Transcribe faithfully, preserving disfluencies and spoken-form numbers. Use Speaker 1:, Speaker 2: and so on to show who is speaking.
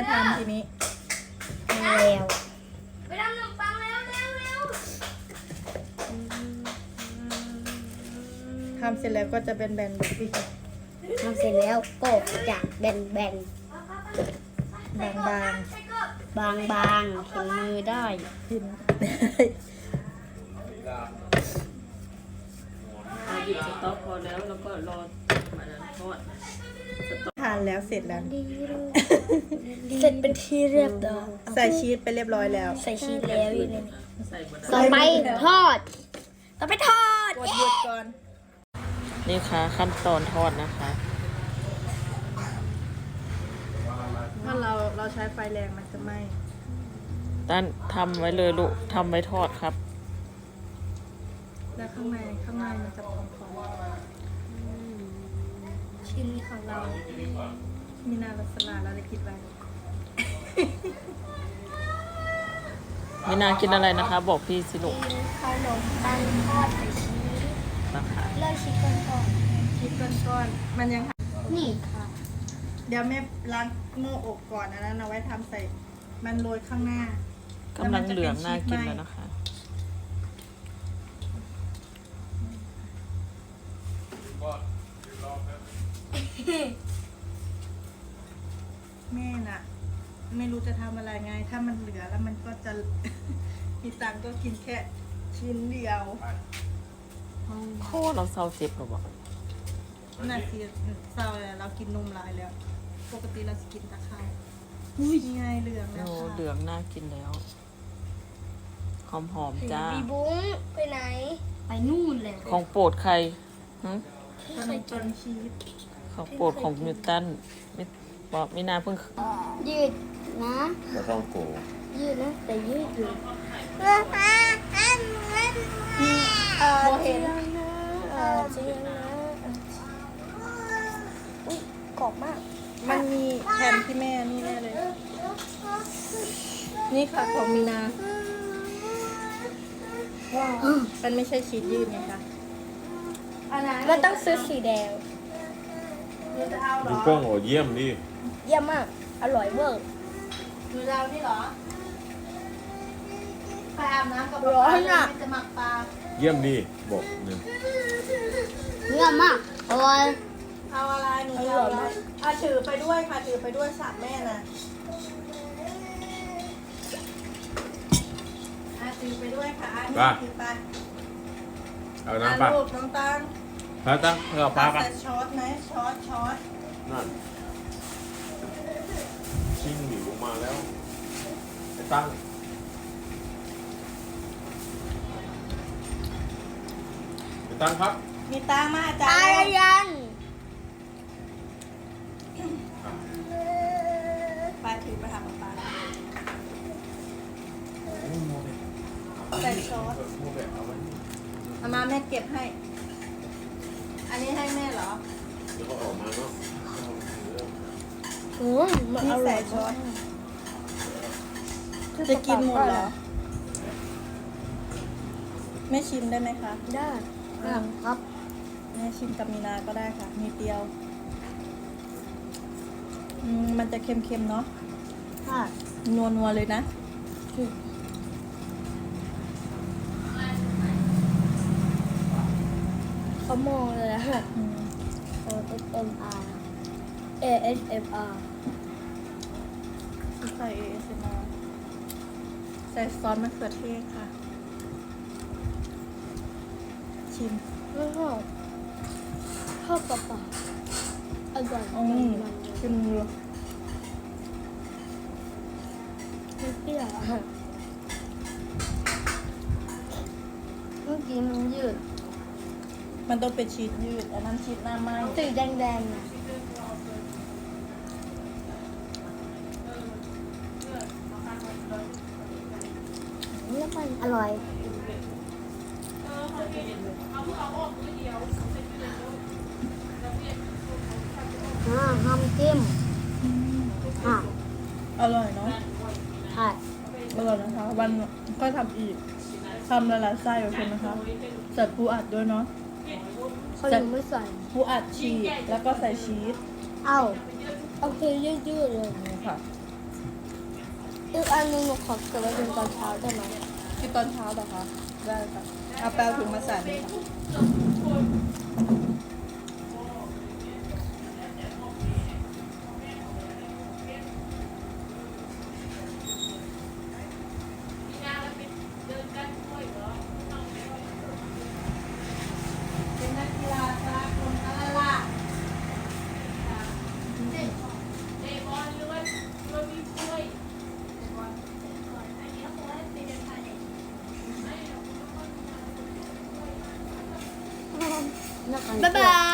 Speaker 1: ทำทีนี้
Speaker 2: แล้ว
Speaker 3: ไปทำขนมปังเร็วเร็วเร็ว
Speaker 1: ทำเสร็จแล้วก็จะเป็นแบนๆแบบนี้
Speaker 2: ทำเสร็จแล้วก็จะแบนแบน
Speaker 1: บาง
Speaker 3: บาง
Speaker 2: บางบางๆเห็นมือได้
Speaker 1: ๆกิน
Speaker 4: อาหยิบสต๊อกพอแล้วแล้วก็รอมันทอด
Speaker 1: ทานแล้วเสร็จแล้ว
Speaker 2: เสร็จเป็นที่เรียบร้อย
Speaker 1: ใส่ชีสไปเรียบร้อยแล้ว
Speaker 2: ใส่ชีสแล้วอยู่ในนี้
Speaker 4: ใส่บน
Speaker 2: ต่อไปทอด ต่อไปทอด
Speaker 1: กดหยุดก่อน
Speaker 4: นี่ค่ะขั้นตอนทอดนะคะ
Speaker 1: ถ้าเราเราใช้ไฟแรงมันจะไหม้
Speaker 4: ตั้นทำไว้เลยลูกทำไว้ทอดครับ
Speaker 1: แล้วข้างในข้างในมันจะพอง
Speaker 2: ชิ้นของเรา
Speaker 1: ๆมีนาลัสลาเราได้คิดไว้
Speaker 4: ไม่น่ากินอะไรนะคะ บอกพี่สิลูก
Speaker 2: ขนมปังทอดใส่ชีส
Speaker 4: นะคะ
Speaker 2: เลิกชีสก่อนก่อน
Speaker 1: คิดก้อนๆมันยัง
Speaker 2: นี่ค่ะ
Speaker 1: เดี๋ยวแม่ล้างโม่อบก่อนอันนั้นเอาไว้ทำใส่มันโรยข้างหน้าก
Speaker 4: ำลังเหลืองน่ากินแล้วนะคะ
Speaker 1: แม่น่ะ ไม่รู้จะทำอะไรไง ถ้ามันเหลือแล้วมันก็จะ มีตังค์ก็กินแค่ชิ้นเดียว
Speaker 4: โคตรเราเศร้าเจ็บหรอบอก
Speaker 1: น่าสิเศร้าเลยเรากินนมหลายแล้ว ปกติเราจะกินแตะไคร้นี่ไงเหลืองแล้ว
Speaker 4: โอ้
Speaker 1: ค่ะ
Speaker 4: เหลืองน่ากินแล้ว หอมหอมๆจ้า
Speaker 2: บีบุ้งไปไหน ไปนู่นเลย
Speaker 4: ของโปรดใครหึ
Speaker 1: ขนมปังชีส
Speaker 4: ของโปรดของนิวตันไม่บอกไม่น่าเพิ่ง
Speaker 2: ยืดนะ
Speaker 5: ปลาท่องโก
Speaker 2: ยืดนะ แต่ยืดอยู่
Speaker 1: เออเห็น
Speaker 2: เออจริงนะอุ้ยกรอบมาก
Speaker 1: มันมีแผ่นที่แม่นี่แน่เลย นี่ค่ะของมีนามันไม่ใช่ชีสยืดไงคะอันนั้น
Speaker 2: มันต้องซื้อสีแดง
Speaker 1: หนูจะเอาเหร
Speaker 5: ดู
Speaker 1: อ
Speaker 5: กล้องโอ้เยี่ยมดิ
Speaker 2: เยี่ยมมาก อร่อยเวอร์
Speaker 1: หนูจะเอานี่เหรอไปอาบน้ำกับ
Speaker 2: ร้อนอะ
Speaker 1: แม่จะหมักปลา
Speaker 5: เยี่ยมดิบอกหนึ่ง
Speaker 2: เยี่ยมมาก อร่อย
Speaker 1: เอาอะไรหนูจะเอาอะไรเอาถือไปด้วยค่ะถือไปด้วยสามแม่น่ะอาถือไปด้วยค่ะอันนี้ถือไป
Speaker 5: เอา
Speaker 1: อ่ะ
Speaker 5: น้ำปลา
Speaker 1: ลูกน้องตัง
Speaker 5: ปลาตั้งเอาปลาปะ
Speaker 1: ใส่ช้อนไหมช้อนช้อน
Speaker 5: นั่นชิงหนีลงมาแล้วไอ้ตั้งไอ้ตั้งครับ
Speaker 1: มีตังมาอาจา
Speaker 2: ตาร
Speaker 1: ย์
Speaker 2: ยัน
Speaker 1: ไปถือไปหาปลาใส่ช้อนเอามาแม่เก็บให้ อันนี้ให้แม่เหรอ
Speaker 5: เดี๋ยวก็ออกมาเนาะ
Speaker 2: อืมมัน
Speaker 1: นี่
Speaker 2: อร่
Speaker 1: ใส่
Speaker 2: อย
Speaker 1: ช้อน จะกินหมดเหรอ แม่ชิมได้ไหมคะ
Speaker 2: ได้ครับ
Speaker 1: แม่ชิมกับมีนาก็ได้ค่ะมีเดียวอืมมันจะเค็มๆเนาะ
Speaker 2: ค่ะ
Speaker 1: นัวๆเลยนะ
Speaker 2: เขามองเลยอะ
Speaker 1: อืม
Speaker 2: A S M R A S M R
Speaker 1: ใส่ เอ เอส เอ็ม อาร์ ใส่ซอสมะเขือเทศค่ะ ชิม
Speaker 2: ไม่ชอบชอบเปล่าๆอร่อย
Speaker 1: อื
Speaker 2: มัน
Speaker 1: ม
Speaker 2: มัน
Speaker 1: ชิมดู
Speaker 2: มันเปรี้ยวอะเมื่อกี้มันยืด
Speaker 1: มันต้องเป็นชีสยืดอันนั้นชีสหน้าไหม้
Speaker 2: สีแดงๆอะนี่มันอร่อยอ่าห้ามจิ้มอ่ะ
Speaker 1: อร่อยเนาะ
Speaker 2: ใช่
Speaker 1: อร่อยนะคะ วันก็ทำอีกทำละลายไส้โอเคนะคะใส่ปูอัดด้วยเนาะ
Speaker 2: เขายังไม่ใส่
Speaker 1: ปูอัดชีสแล้วก็ใส่ชีส
Speaker 2: เอ้าเอาคือยืดๆเลย
Speaker 1: นี่ค่ะ
Speaker 2: อีกอันหนึงหนูขอเก็บไว้เป็นตอนเช้าได้ไหม
Speaker 1: ที่ตอนเช้าเหรอคะได้ค่ะเอาแปลถุงมาใส่เลยค่ะ เป็นนักกีฬาสากลอะไรล่ะ
Speaker 2: บ๊ายบาย